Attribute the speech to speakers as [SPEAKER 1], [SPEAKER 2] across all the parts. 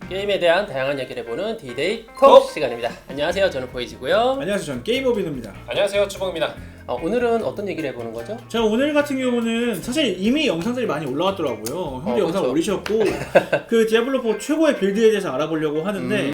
[SPEAKER 1] 게임에 대한 다양한 얘기를 해보는 디데이 톡 시간입니다. 안녕하세요. 저는 보이지고요.
[SPEAKER 2] 안녕하세요. 저는 게임오빈입니다.
[SPEAKER 3] 안녕하세요. 주봉입니다.
[SPEAKER 1] 오늘은 어떤 얘기를 해보는 거죠?
[SPEAKER 2] 자, 오늘 같은 경우는 사실 이미 영상들이 많이 올라왔더라고요. 형도 영상
[SPEAKER 1] 그쵸.
[SPEAKER 2] 올리셨고 그 디아블로4 최고의 빌드에 대해서 알아보려고 하는데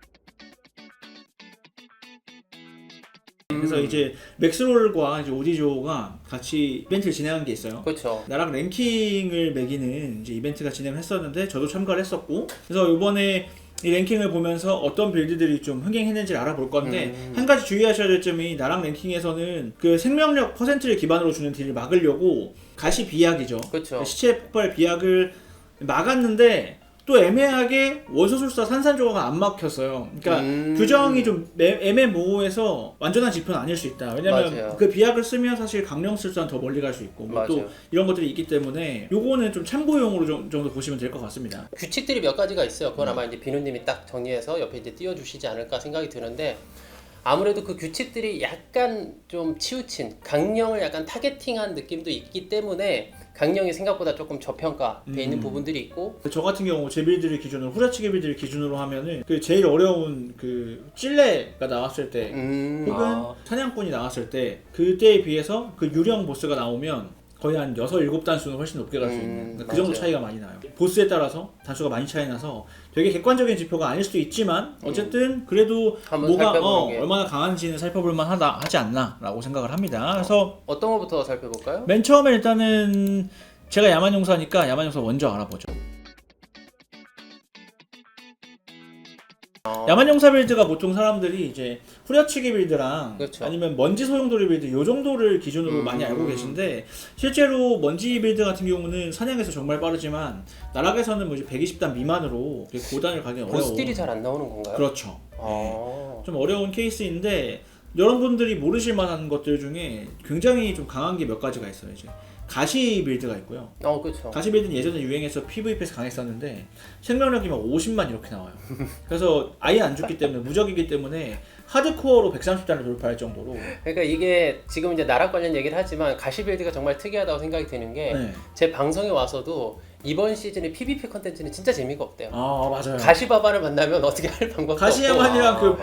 [SPEAKER 2] 그래서 이제 맥스롤과 이제 오디조가 같이 이벤트를 진행한 게 있어요.
[SPEAKER 1] 그렇죠.
[SPEAKER 2] 나랑 랭킹을 매기는 이제 이벤트가 진행을 했었는데 저도 참가를 했었고, 그래서 이번에 이 랭킹을 보면서 어떤 빌드들이 좀 흥행했는지를 알아볼 건데 한 가지 주의하셔야 될 점이, 나랑 랭킹에서는 그 생명력 퍼센트를 기반으로 주는 딜을 막으려고 가시 비약이죠.
[SPEAKER 1] 그렇죠.
[SPEAKER 2] 시체 폭발 비약을 막았는데 또 애매하게 원소술사 산산조각가 안 막혔어요. 그러니까 규정이 좀 애매모호해서 완전한 지표는 아닐 수 있다. 왜냐면
[SPEAKER 1] 맞아요.
[SPEAKER 2] 그 비약을 쓰면 사실 강령술사는 더 멀리 갈 수 있고 뭐 또 이런 것들이 있기 때문에 요거는 좀 참고용으로 정도 보시면 될 것 같습니다.
[SPEAKER 1] 규칙들이 몇 가지가 있어요. 그건 아마 이제 비누님이 딱 정리해서 옆에 이제 띄워주시지 않을까 생각이 드는데, 아무래도 그 규칙들이 약간 좀 치우친 강령을 약간 타겟팅한 느낌도 있기 때문에 강령이 생각보다 조금 저평가돼 있는 부분들이 있고,
[SPEAKER 2] 저 같은 경우 제 빌드를 기준으로, 후려치기 빌드를 기준으로 하면은 그 제일 어려운 그 찔레가 나왔을 때 혹은 사냥꾼이 나왔을 때 그때에 비해서 그 유령 보스가 나오면 거의 한 6, 7단수는 훨씬 높게 갈 수 있는, 그 정도 차이가 많이 나요. 보스에 따라서 단수가 많이 차이 나서 되게 객관적인 지표가 아닐 수도 있지만 어쨌든 그래도 뭐가 얼마나 강한지는 살펴볼 만하다 하지 않나 라고 생각을 합니다. 그래서
[SPEAKER 1] 어떤 것부터 살펴볼까요?
[SPEAKER 2] 맨 처음에 일단은 제가 야만용사니까 야만용사 먼저 알아보죠. 야만용사 빌드가 보통 사람들이 이제 후려치기 빌드랑
[SPEAKER 1] 그렇죠.
[SPEAKER 2] 아니면 먼지 소용돌이 빌드 요 정도를 기준으로 많이 알고 계신데, 실제로 먼지 빌드 같은 경우는 사냥에서 정말 빠르지만 나락에서는 뭐 이제 120단 미만으로 고단을 가기 어려워.
[SPEAKER 1] 보스딜이 잘 안 나오는 건가요?
[SPEAKER 2] 그렇죠. 네. 좀 어려운 케이스인데 여러분들이 모르실 만한 것들 중에 굉장히 좀 강한 게 몇 가지가 있어요. 이제 가시 빌드가 있고요.
[SPEAKER 1] 그렇죠.
[SPEAKER 2] 가시 빌드는 예전에 유행해서 PVP에서 강했었는데 생명력이 막 50만 이렇게 나와요. 그래서 아예 안 죽기 때문에, 무적이기 때문에 하드코어로 130단을 돌파할 정도로.
[SPEAKER 1] 그러니까 이게 지금 이제 나락 관련 얘기를 하지만 가시 빌드가 정말 특이하다고 생각이 드는 게, 제 방송에 와서도 이번 시즌의 PVP 컨텐츠는 진짜 재미가 없대요.
[SPEAKER 2] 맞아요.
[SPEAKER 1] 가시바바를 만나면 어떻게 할 방법도 없고,
[SPEAKER 2] 가시야만이랑 그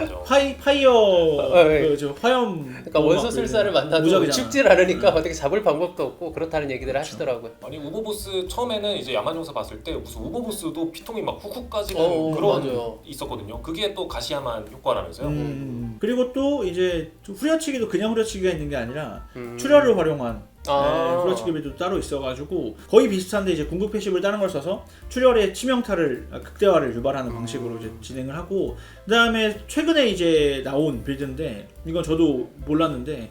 [SPEAKER 2] 파이어 그 화염,
[SPEAKER 1] 그러니까 원소술사를 만나도
[SPEAKER 2] 무적이잖아.
[SPEAKER 1] 죽질 않으니까 어떻게 잡을 방법도 없고 그렇다는 얘기들을 하시더라고요.
[SPEAKER 3] 아니 우보보스 처음에는 이제 야만용사 봤을 때 무슨 우보보스도 피통이 막 훅훅 까지는 그런
[SPEAKER 1] 맞아요.
[SPEAKER 3] 있었거든요. 그게 또 가시야만 효과라면서요.
[SPEAKER 2] 그리고 또 이제 후려치기도 그냥 후려치기가 있는 게 아니라 출혈을 활용한 후려치기 빌드도 따로 있어가지고 거의 비슷한데, 이제 궁극 패시브를 다른 걸 써서 출혈의 치명타를 극대화를 유발하는 방식으로 이제 진행을 하고, 그 다음에 최근에 이제 나온 빌드인데 이건 저도 몰랐는데,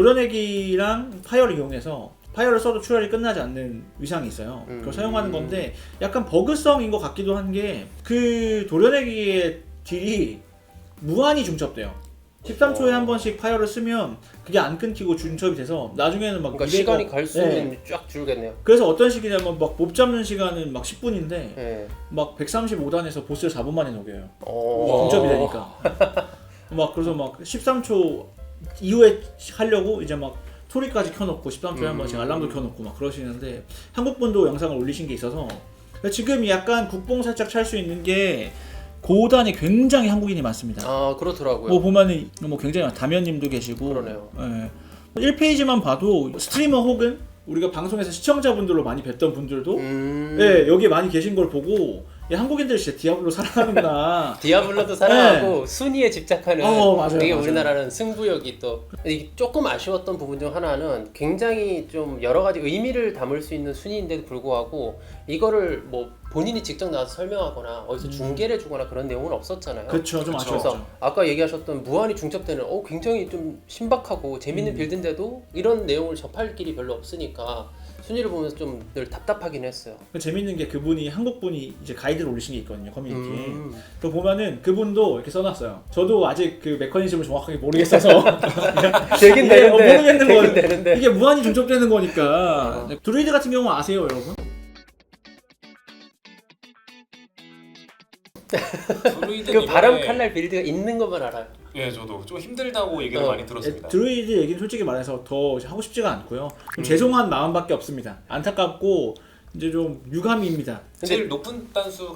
[SPEAKER 2] 도려내기랑 파이어를 이용해서 파이어를 써도 출혈이 끝나지 않는 위상이 있어요. 그걸 사용하는 건데 약간 버그성인 것 같기도 한 게, 그 도려내기의 딜이 무한히 중첩돼요. 13초에 한 번씩 파이어를 쓰면 그게 안 끊기고 중첩이 돼서 나중에는 막
[SPEAKER 1] 그러니까 시간이 갈수록 쫙 줄겠네요.
[SPEAKER 2] 그래서 어떤 식이냐면 막 몹 잡는 시간은 막 10분인데 막 135단에서 보스를 4분 만에 녹여요. 중첩이 되니까. 막 그래서 막 13초 이후에 하려고 이제 막 소리까지 켜놓고 13초에 한 번씩 알람도 켜놓고 막 그러시는데, 한국분도 영상을 올리신 게 있어서 지금 약간 국뽕 살짝 찰 수 있는 게, 고단이 굉장히 한국인이 많습니다.
[SPEAKER 1] 그렇더라고요.
[SPEAKER 2] 뭐 보면은 뭐 굉장히 다면님도 계시고.
[SPEAKER 1] 그러네요.
[SPEAKER 2] 1페이지만 봐도 스트리머 혹은 우리가 방송에서 시청자분들로 많이 뵀던 분들도 여기 많이 계신 걸 보고, 한국인들 진짜 디아블로 사랑하는구나.
[SPEAKER 1] 디아블로도 사랑하고 순위에 집착하는,
[SPEAKER 2] 맞아요,
[SPEAKER 1] 되게
[SPEAKER 2] 맞아요.
[SPEAKER 1] 우리나라는 승부욕이 또, 이게 조금 아쉬웠던 부분 중 하나는 굉장히 좀 여러 가지 의미를 담을 수 있는 순위인데도 불구하고 이거를 뭐 본인이 직접 나와서 설명하거나 어디서 중계를 해주거나 그런 내용은 없었잖아요.
[SPEAKER 2] 그렇죠, 좀 아쉬웠죠.
[SPEAKER 1] 그래서 아까 얘기하셨던 무한히 중첩되는 굉장히 좀 신박하고 재밌는 빌드인데도 이런 내용을 접할 길이 별로 없으니까 순위를 보면서 좀 늘 답답하긴 했어요.
[SPEAKER 2] 재밌는 게, 그분이 한국분이 이제 가이드를 올리신 게 있거든요, 커뮤니티에. 그 보면은 그분도 이렇게 써놨어요. 저도 아직 그 메커니즘을 정확하게 모르겠어서
[SPEAKER 1] 되긴 되는데,
[SPEAKER 2] 모르겠는 거. 이게 무한히 중첩되는 거니까. 드루이드 같은 경우 아세요, 여러분?
[SPEAKER 1] 그 바람 칼날 빌드가 있는 것만 알아요.
[SPEAKER 3] 예, 저도 좀 힘들다고 얘기를 많이 들었습니다.
[SPEAKER 2] 드루이드 얘기는 솔직히 말해서 더 하고 싶지가 않고요. 좀 죄송한 마음밖에 없습니다. 안타깝고 이제 좀 유감입니다.
[SPEAKER 3] 제일 높은 단수가 몇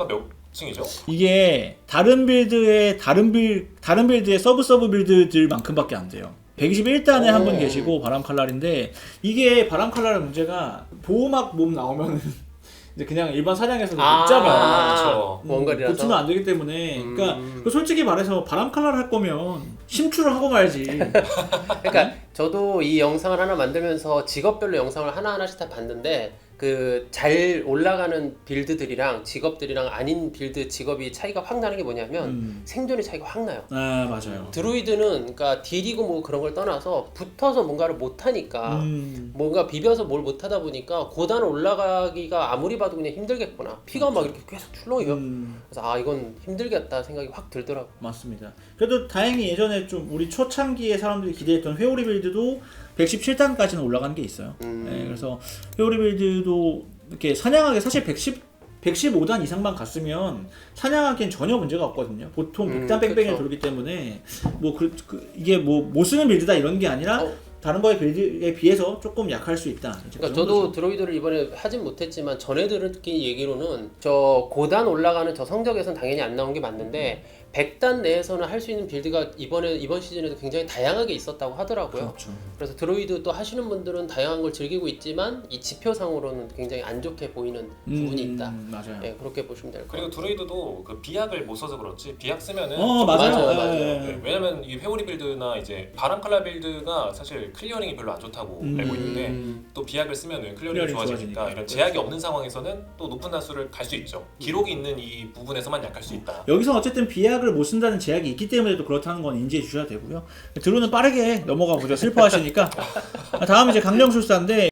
[SPEAKER 3] 층이죠.
[SPEAKER 2] 이게 다른 빌드의 다른 빌드의 서브 빌드들만큼밖에 안 돼요. 121단에 한 분 계시고 바람 칼날인데 이게 바람 칼날의 문제가 보호막 몸 나오면 이제 그냥 일반 사냥에서도 못 잡아요.
[SPEAKER 3] 그렇죠.
[SPEAKER 1] 원거리라서
[SPEAKER 2] 붙으면 안 되기 때문에 그러니까 솔직히 말해서 바람 칼날 할 거면 심출을 하고 말지.
[SPEAKER 1] 그러니까 저도 이 영상을 하나 만들면서 직업별로 영상을 하나하나씩 다 봤는데 그 잘 올라가는 빌드들이랑 직업들이랑 아닌 빌드 직업이 차이가 확 나는 게 뭐냐면 생존의 차이가 확 나요.
[SPEAKER 2] 아 맞아요.
[SPEAKER 1] 드루이드는 그러니까 딜이고 뭐 그런 걸 떠나서 붙어서 뭔가를 못 하니까 뭔가 비벼서 뭘 못 하다 보니까 고단 올라가기가 아무리 봐도 그냥 힘들겠구나. 피가 막 이렇게 계속 출렁이요. 그래서 아 이건 힘들겠다 생각이 확 들더라고.
[SPEAKER 2] 맞습니다. 그래도 다행히 예전에 좀 우리 초창기에 사람들이 기대했던 회오리 빌드도 117단까지는 올라간 게 있어요. 네, 그래서 회오리 빌드도 이렇게 사냥하기 사실 115단 이상만 갔으면 사냥하기엔 전혀 문제가 없거든요. 보통 100단 뺑뺑이
[SPEAKER 1] 그쵸.
[SPEAKER 2] 돌기 때문에 뭐 이게 뭐 못 쓰는 빌드다 이런 게 아니라 다른 거에 빌드에 비해서 조금 약할 수 있다.
[SPEAKER 1] 그러니까 저도 드로이드를 이번에 하진 못했지만 전에 들은 얘기로는 저 고단 올라가는 저 성적에선 당연히 안 나온 게 맞는데 100단 내에서는 할 수 있는 빌드가 이번 시즌에도 굉장히 다양하게 있었다고 하더라고요.
[SPEAKER 2] 그렇죠.
[SPEAKER 1] 그래서 드로이드 또 하시는 분들은 다양한 걸 즐기고 있지만 이 지표상으로는 굉장히 안 좋게 보이는 부분이 있다.
[SPEAKER 2] 맞아요.
[SPEAKER 1] 네, 그렇게 보시면 될 것 같아요.
[SPEAKER 3] 그리고 드루이드도 그 비약을 못 써서 그렇지 비약 쓰면은
[SPEAKER 2] 맞아요.
[SPEAKER 1] 맞아요.
[SPEAKER 3] 네, 왜냐면 이 회오리 빌드나 이제 바람 칼날 빌드가 사실 클리어링이 별로 안 좋다고 알고 있는데 또 비약을 쓰면은 클리어링이
[SPEAKER 2] 클리어링이
[SPEAKER 3] 좋아지니까
[SPEAKER 2] 좋아지니까.
[SPEAKER 3] 이런 제약이 없는 상황에서는 또 높은 단수를 갈 수 있죠. 기록이 있는 이 부분에서만 약할 수 있다.
[SPEAKER 2] 여기서 어쨌든 비약을 못 쓴다는 제약이 있기 때문에 또 그렇다는 건 인지해 주셔야 되고요. 드루는 빠르게 넘어가 보죠. 슬퍼하시니까. 다음 이제 강령술사인데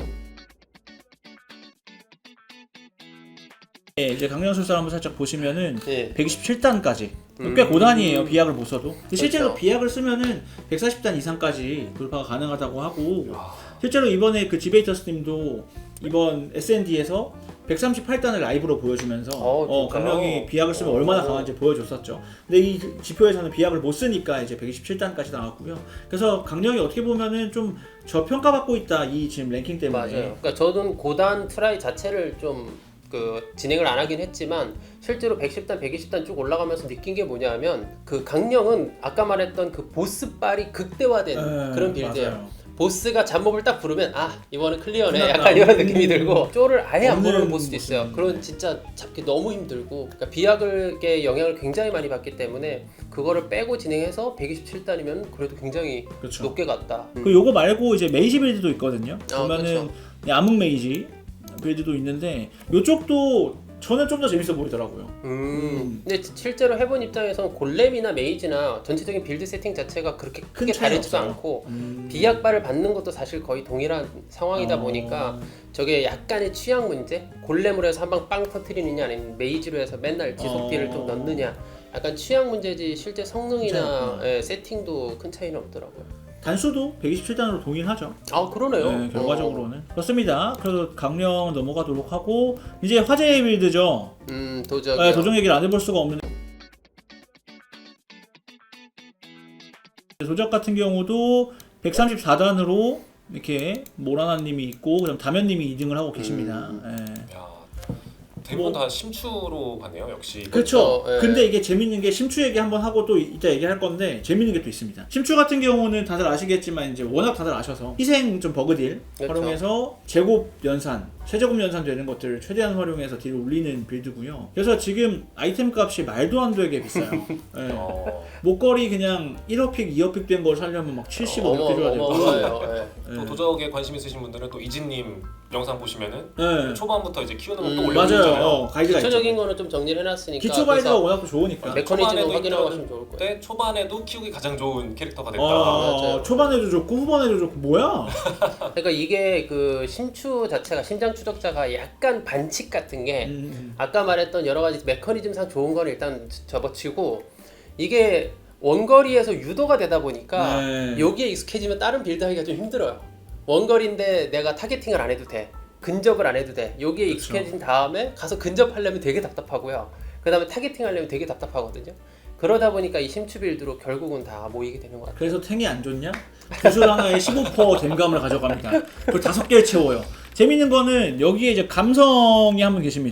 [SPEAKER 2] 네, 이제 강령술사 한번 살짝 보시면은
[SPEAKER 1] 네.
[SPEAKER 2] 127단까지 꽤 고단이에요. 비약을 못 써도. 근데 실제로
[SPEAKER 1] 그렇죠.
[SPEAKER 2] 비약을 쓰면은 140단 이상까지 돌파가 가능하다고 하고 실제로 이번에 그 디베이터스님도 이번 SND에서 138단을 라이브로 보여주면서
[SPEAKER 1] 진짜요?
[SPEAKER 2] 강령이 비약을 쓰면 얼마나 강한지 보여줬었죠. 근데 이 지표에서는 비약을 못 쓰니까 이제 127단까지 나왔고요. 그래서 강령이 어떻게 보면은 좀 저평가받고 있다 이 지금 랭킹 때문에.
[SPEAKER 1] 맞아요. 그러니까 저는 고단 트라이 자체를 좀 진행을 안 하긴 했지만 실제로 110단, 120단 쭉 올라가면서 느낀 게 뭐냐면 그 강령은 아까 말했던 그 보스빨이 극대화된 그런 빌드예요.
[SPEAKER 2] 맞아요.
[SPEAKER 1] 보스가 잡몹을 딱 부르면 아 이번엔 클리어네
[SPEAKER 2] 끝났다.
[SPEAKER 1] 약간 이런 느낌이 들고 쪼를 아예 안 부르는
[SPEAKER 2] 없는
[SPEAKER 1] 보스도 있어요.
[SPEAKER 2] 모습.
[SPEAKER 1] 그런 진짜 잡기 너무 힘들고 그러니까 비약의 영향을 굉장히 많이 받기 때문에 그거를 빼고 진행해서 127단이면 그래도 굉장히
[SPEAKER 2] 그렇죠.
[SPEAKER 1] 높게 갔다.
[SPEAKER 2] 그 요거 말고 이제 메이지 빌드도 있거든요.
[SPEAKER 1] 그쵸.
[SPEAKER 2] 보면은 암흑 메이지 빌드도 있는데 요쪽도 저는 좀 더 재밌어 보이더라고요.
[SPEAKER 1] 근데 실제로 해본 입장에서는 골렘이나 메이지나 전체적인 빌드 세팅 자체가 그렇게 크게
[SPEAKER 2] 차이
[SPEAKER 1] 다르지도
[SPEAKER 2] 없어요.
[SPEAKER 1] 않고 비약발을 받는 것도 사실 거의 동일한 상황이다 보니까 저게 약간의 취향 문제? 골렘으로 해서 한 방 빵 터트리느냐 아니면 메이지로 해서 맨날 지속 딜을 좀 넣느냐 약간 취향 문제지 실제 성능이나 세팅도 큰 차이는 없더라고요.
[SPEAKER 2] 단수도 127단으로 동일하죠.
[SPEAKER 1] 아 그러네요.
[SPEAKER 2] 네, 결과적으로는 그렇습니다. 그래서 강령 넘어가도록 하고 이제 화제의 빌드죠.
[SPEAKER 1] 도적.
[SPEAKER 2] 네, 도적 얘기를 안 해볼 수가 없는. 도적 같은 경우도 134단으로 이렇게 모라나님이 있고 그다음 다면님이 2등을 하고 계십니다. 예.
[SPEAKER 3] 야, 대부분 다 심추로 갔네요. 역시.
[SPEAKER 2] 그렇죠.
[SPEAKER 1] 예.
[SPEAKER 2] 근데 이게 재밌는 게 심추 얘기 한번 하고 또 이따 얘기할 건데 재밌는 게 또 있습니다. 심추 같은 경우는 다들 아시겠지만 이제 워낙 다들 아셔서 희생 좀 버그딜
[SPEAKER 1] 그렇죠.
[SPEAKER 2] 활용해서 제곱 연산, 최저급 연산 되는 것들을 최대한 활용해서 딜을 올리는 빌드고요. 그래서 지금 아이템 값이 말도 안 되게 비싸요. 예. 목걸이 그냥 1어픽, 2어픽 된 걸 살려면 막 70, 50개 줘야 되고.
[SPEAKER 1] 어마어마해요.
[SPEAKER 3] 또 도적에 관심 있으신 분들은 또 이진님 영상 보시면은
[SPEAKER 2] 네.
[SPEAKER 3] 초반부터 이제 키우는 거 또
[SPEAKER 2] 맞아요.
[SPEAKER 3] 올려주잖아요.
[SPEAKER 2] 가이드가
[SPEAKER 1] 기초적인
[SPEAKER 2] 있죠.
[SPEAKER 1] 거는 좀 정리를 해놨으니까
[SPEAKER 2] 기초 가이드가
[SPEAKER 1] 그래서
[SPEAKER 2] 워낙 또 좋으니까.
[SPEAKER 1] 메커니즘을 확인하고 하시면 좋을 거예요.
[SPEAKER 3] 그때 초반에도 키우기 가장 좋은 캐릭터가 됐다.
[SPEAKER 1] 맞아요.
[SPEAKER 2] 초반에도 좋고 후반에도 좋고 뭐야?
[SPEAKER 1] 그러니까 이게 그 심추 자체가 심장 추적자가 약간 반칙 같은 게 아까 말했던 여러 가지 메커니즘상 좋은 건 일단 접어치고 이게 원거리에서 유도가 되다 보니까
[SPEAKER 2] 네.
[SPEAKER 1] 여기에 익숙해지면 다른 빌드하기가 좀 힘들어요. 원거리인데 내가 타겟팅을 안 해도 돼. 근접을 안 해도 돼. 여기에
[SPEAKER 2] 그쵸.
[SPEAKER 1] 익숙해진 다음에 가서 근접하려면 되게 답답하고요. 그 다음에 타겟팅 하려면 되게 답답하거든요. 그러다 보니까 이 심추 빌드로 결국은 다 모이게 되는 것 같아요.
[SPEAKER 2] 그래서 탱이 안 좋냐? 구슬 하나에 15% 댐감을 가져갑니다. 그걸 5개를 채워요. 재밌는 거는 여기에 이제 감성이 한 분 계십니다.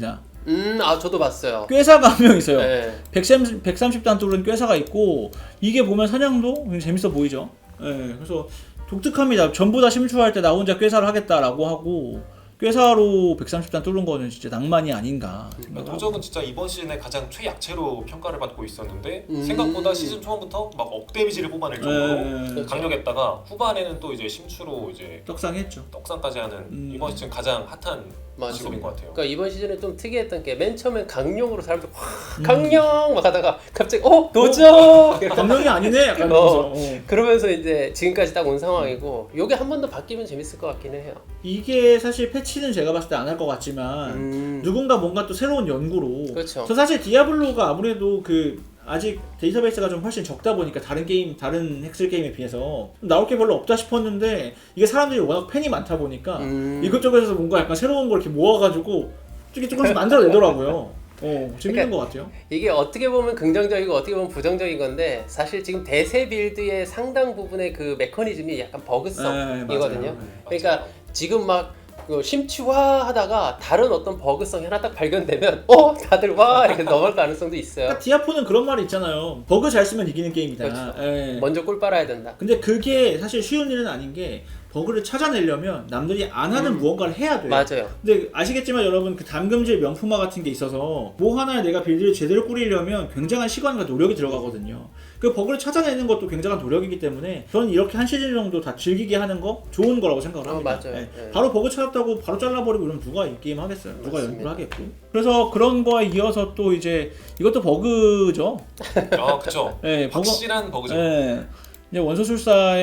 [SPEAKER 1] 저도 봤어요.
[SPEAKER 2] 꾀사가 한 명 있어요.
[SPEAKER 1] 네.
[SPEAKER 2] 130단 뚫은 꾀사가 있고 이게 보면 사냥도 굉장히 재밌어 보이죠. 예, 그래서 독특합니다. 전부 다 심추할 때 나 혼자 꾀사를 하겠다라고 하고 꾀사로 130단 뚫은 거는 진짜 낭만이 아닌가 생각하고.
[SPEAKER 3] 도적은 진짜 이번 시즌에 가장 최약체로 평가를 받고 있었는데 생각보다 시즌 초반부터 막 데미지를 뽑아낼 정도로 강력했다가 후반에는 또 이제 심추로 이제
[SPEAKER 2] 떡상했죠.
[SPEAKER 3] 떡상까지 하는 이번 시즌 가장 핫한 직업인 것 같아요.
[SPEAKER 1] 그러니까 이번 시즌에 좀 특이했던 게 맨 처음엔 강령으로 사람들 강령 막 하다가 갑자기 도적
[SPEAKER 2] 감명이 아니네 약간
[SPEAKER 1] 그러면서 이제 지금까지 딱 온 상황이고 요게 한 번 더 바뀌면 재밌을 것 같기는 해요.
[SPEAKER 2] 이게 사실 패치는 제가 봤을 때 안 할 것 같지만 누군가 뭔가 또 새로운 연구로.
[SPEAKER 1] 그렇죠.
[SPEAKER 2] 저 사실 디아블로가 아무래도 아직 데이터베이스가 좀 훨씬 적다 보니까 다른 헬스 게임에 비해서 나올 게 별로 없다 싶었는데 이게 사람들이 워낙 팬이 많다 보니까 이것저것에서 뭔가 약간 새로운 걸 이렇게 모아가지고 조금씩 만들어내더라고요. 재밌는
[SPEAKER 1] 그러니까
[SPEAKER 2] 것 같아요.
[SPEAKER 1] 이게 어떻게 보면 긍정적이고 어떻게 보면 부정적인 건데 사실 지금 대세 빌드의 상당 부분의 그 메커니즘이 약간 버그성이거든요.
[SPEAKER 2] 네,
[SPEAKER 1] 그러니까
[SPEAKER 3] 맞아요.
[SPEAKER 1] 지금 막 심취화하다가 다른 어떤 버그성이 하나 딱 발견되면 다들 와 이렇게 넘어갈 가능성도 있어요.
[SPEAKER 2] 그러니까 디아포는 그런 말이 있잖아요. 버그 잘 쓰면 이기는 게임이다.
[SPEAKER 1] 그렇죠. 먼저 꿀 빨아야 된다.
[SPEAKER 2] 근데 그게 사실 쉬운 일은 아닌 게 버그를 찾아내려면 남들이 안 하는 무언가를 해야 돼요.
[SPEAKER 1] 맞아요.
[SPEAKER 2] 근데 아시겠지만 여러분 담금질 명품화 같은 게 있어서 뭐 하나에 내가 빌드를 제대로 꾸리려면 굉장한 시간과 노력이 들어가거든요. 그 버그를 찾아내는 것도 굉장한 노력이기 때문에 저는 이렇게 한 시즌 정도 다 즐기게 하는 거 좋은 거라고 생각을 합니다.
[SPEAKER 1] 맞아요.
[SPEAKER 2] 네.
[SPEAKER 1] 네.
[SPEAKER 2] 바로 버그 찾았다고 바로 잘라버리고 그러면 누가 이 게임 하겠어요? 누가
[SPEAKER 1] 맞습니다.
[SPEAKER 2] 연구를 하겠고. 그래서 그런 거에 이어서 또 이제 이것도 버그죠.
[SPEAKER 3] 그렇죠.
[SPEAKER 2] 네,
[SPEAKER 3] 확실한 버그죠.
[SPEAKER 2] 네. 이제 원소술사의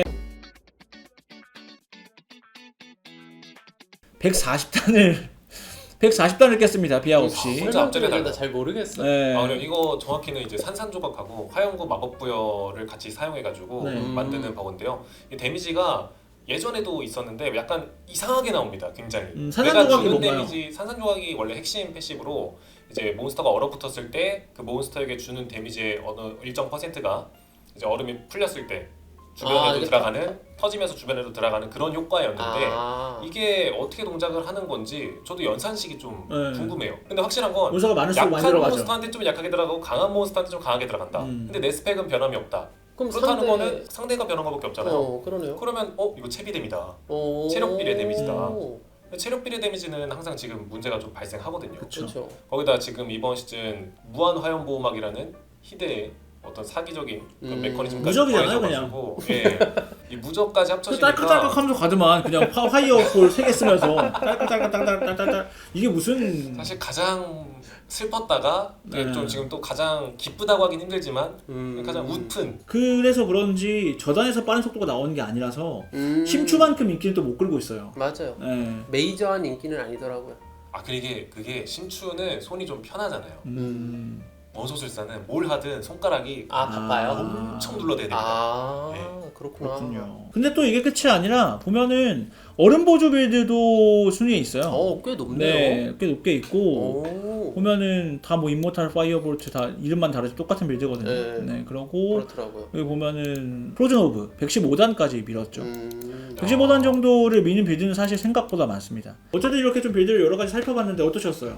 [SPEAKER 2] 140단을 깼습니다. 비하 없이.
[SPEAKER 3] 혼자 앞자리에 달고.
[SPEAKER 1] 잘 모르겠어.
[SPEAKER 2] 네.
[SPEAKER 3] 그럼 이거 정확히는 이제 산산조각하고 화염구 마법부여를 같이 사용해가지고
[SPEAKER 2] 네.
[SPEAKER 3] 만드는 버그인데요. 이 데미지가 예전에도 있었는데 약간 이상하게 나옵니다. 굉장히. 내가
[SPEAKER 2] 산산조각이
[SPEAKER 3] 주는
[SPEAKER 2] 뭔가요?
[SPEAKER 3] 데미지, 산산조각이 원래 핵심 패시브로 이제 몬스터가 얼어붙었을 때 그 몬스터에게 주는 데미지의 어느 일정 퍼센트가 이제 얼음이 풀렸을 때 주변에도 들어가는 터지면서 주변에도 들어가는 그런 효과였는데 이게 어떻게 동작을 하는 건지 저도 연산식이 좀 궁금해요. 근데 확실한 건
[SPEAKER 2] 몬스터가 많을수록 많이
[SPEAKER 3] 약한
[SPEAKER 2] 들어가죠.
[SPEAKER 3] 몬스터한테 좀 약하게 들어가고 강한 몬스터한테 좀 강하게 들어간다. 근데 내 스펙은 변함이 없다.
[SPEAKER 1] 그럼
[SPEAKER 3] 그렇다는 거는 상대가 변한 것밖에 없잖아요.
[SPEAKER 1] 그러네요.
[SPEAKER 3] 그러면 이거 채비뎀이다. 체력 비례 데미지다. 체력 비례 데미지는 항상 지금 문제가 좀 발생하거든요.
[SPEAKER 1] 그렇죠.
[SPEAKER 3] 거기다 지금 이번 시즌 무한 화염 보호막이라는 희대의 어떤 사기적인 그런 메커니즘까지
[SPEAKER 2] 무적이잖아요,
[SPEAKER 3] 더해져가지고, 예, 이 무적까지 합쳐지니까
[SPEAKER 2] 딸깍딸깍하면서 가더만 그냥 화이어볼 3개 쓰면서 딸깍딸깍딸깍딸깍 이게 무슨
[SPEAKER 3] 사실 가장 슬펐다가 좀 지금 또 가장 기쁘다고 하긴 힘들지만 가장 웃픈.
[SPEAKER 2] 그래서 그런지 저단에서 빠른 속도가 나오는 게 아니라서 심추만큼 인기는 또 못 끌고 있어요.
[SPEAKER 1] 맞아요.
[SPEAKER 2] 네.
[SPEAKER 1] 메이저한 인기는 아니더라고요.
[SPEAKER 3] 그게 심추는 손이 좀 편하잖아요. 원소술사는 뭘 하든 손가락이
[SPEAKER 1] 바빠요?
[SPEAKER 3] 엄청 눌러대야 됩니다. 네.
[SPEAKER 1] 그렇군요.
[SPEAKER 2] 근데 또 이게 끝이 아니라 보면은 얼음 보조 빌드도 순위에 있어요.
[SPEAKER 1] 꽤 높네요.
[SPEAKER 2] 네, 꽤 높게 있고 보면은 다 뭐 인모탈 파이어볼트 다 이름만 다르지 똑같은 빌드거든요. 네, 그러고
[SPEAKER 1] 그렇더라고요.
[SPEAKER 2] 여기 보면은 프로즌 오브 115단까지 밀었죠. 115단 정도를 미는 빌드는 사실 생각보다 많습니다. 어쨌든 이렇게 좀 빌드를 여러 가지 살펴봤는데 어떠셨어요?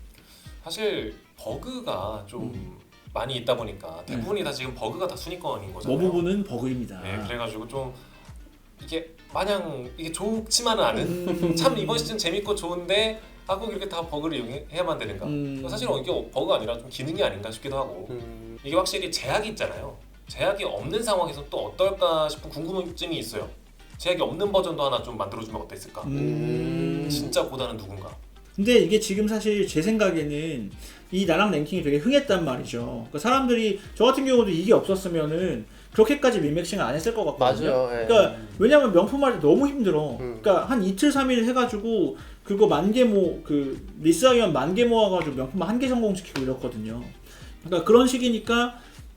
[SPEAKER 3] 사실 버그가 좀 많이 있다 보니까 대부분이 다 지금 버그가 다 순위권인 거잖아요.
[SPEAKER 2] 뭐 부분은 버그입니다.
[SPEAKER 3] 네, 그래가지고 좀 이게 마냥 이게 좋지만은 않은 참 이번 시즌 재밌고 좋은데 꼭 이렇게 다 버그를 이용해야만 되는가? 사실은 이게 버그가 아니라 좀 기능이 아닌가 싶기도 하고 이게 확실히 제약이 있잖아요. 제약이 없는 상황에서 또 어떨까 싶은 궁금증이 있어요. 제약이 없는 버전도 하나 좀 만들어주면 어땠을까? 진짜 고다는 누군가?
[SPEAKER 2] 근데 이게 지금 사실 제 생각에는 이 나랑 랭킹이 되게 흥했단 말이죠. 그러니까 사람들이 저 같은 경우도 이게 없었으면 그렇게까지 민맥싱을 안 했을 것 같거든요.
[SPEAKER 1] 맞아요.
[SPEAKER 2] 그러니까 왜냐면 명품할 때 너무 힘들어. 그러니까 한 이틀 3일 해가지고 그거 10,000개 리스하기만 10,000개 모아가지고 명품 1개 성공시키고 이렇거든요. 그러니까 그런 식이니까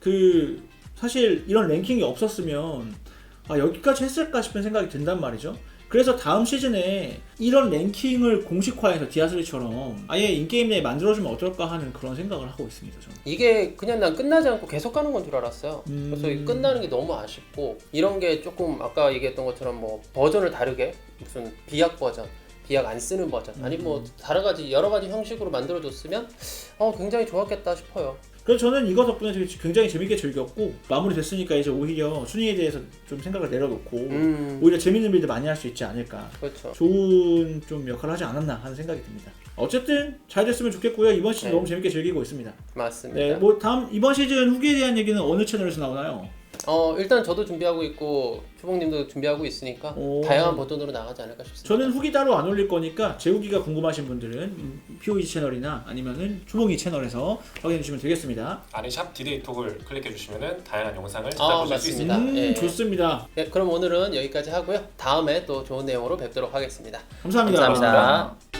[SPEAKER 2] 사실 이런 랭킹이 없었으면 여기까지 했을까 싶은 생각이 든단 말이죠. 그래서 다음 시즌에 이런 랭킹을 공식화해서 디아3처럼 아예 인게임 내에 만들어주면 어떨까 하는 그런 생각을 하고 있습니다. 저는.
[SPEAKER 1] 이게 그냥 난 끝나지 않고 계속 가는 건 줄 알았어요. 그래서 이게 끝나는 게 너무 아쉽고 이런 게 조금 아까 얘기했던 것처럼 뭐 버전을 다르게 무슨 비약 버전 비약 안 쓰는 버전 아니 뭐 다른 가지 여러 가지 형식으로 만들어줬으면 굉장히 좋았겠다 싶어요.
[SPEAKER 2] 그래서 저는 이거 덕분에 굉장히 재밌게 즐겼고 마무리됐으니까 이제 오히려 순위에 대해서 좀 생각을 내려놓고 오히려 재밌는 빌드 많이 할 수 있지 않을까.
[SPEAKER 1] 그렇죠.
[SPEAKER 2] 좋은 좀 역할을 하지 않았나 하는 생각이 듭니다. 어쨌든 잘 됐으면 좋겠고요. 이번 시즌
[SPEAKER 1] 네.
[SPEAKER 2] 너무 재밌게 즐기고 있습니다.
[SPEAKER 1] 맞습니다.
[SPEAKER 2] 네, 뭐 다음 이번 시즌 후기에 대한 얘기는 어느 채널에서 나오나요?
[SPEAKER 1] 일단 저도 준비하고 있고 초봉님도 준비하고 있으니까 다양한 버전으로 나가지 않을까 싶습니다.
[SPEAKER 2] 저는 후기 따로 안 올릴 거니까 제 후기가 궁금하신 분들은 POG 채널이나 아니면은 초봉이 채널에서 확인해 주시면 되겠습니다.
[SPEAKER 3] 안에 샵 디데이톡을 클릭해 주시면은 다양한 영상을 찾아보실 수
[SPEAKER 1] 맞습니다.
[SPEAKER 3] 있습니다.
[SPEAKER 1] 예.
[SPEAKER 2] 좋습니다.
[SPEAKER 1] 네, 그럼 오늘은 여기까지 하고요. 다음에 또 좋은 내용으로 뵙도록 하겠습니다.
[SPEAKER 2] 감사합니다.
[SPEAKER 1] 감사합니다.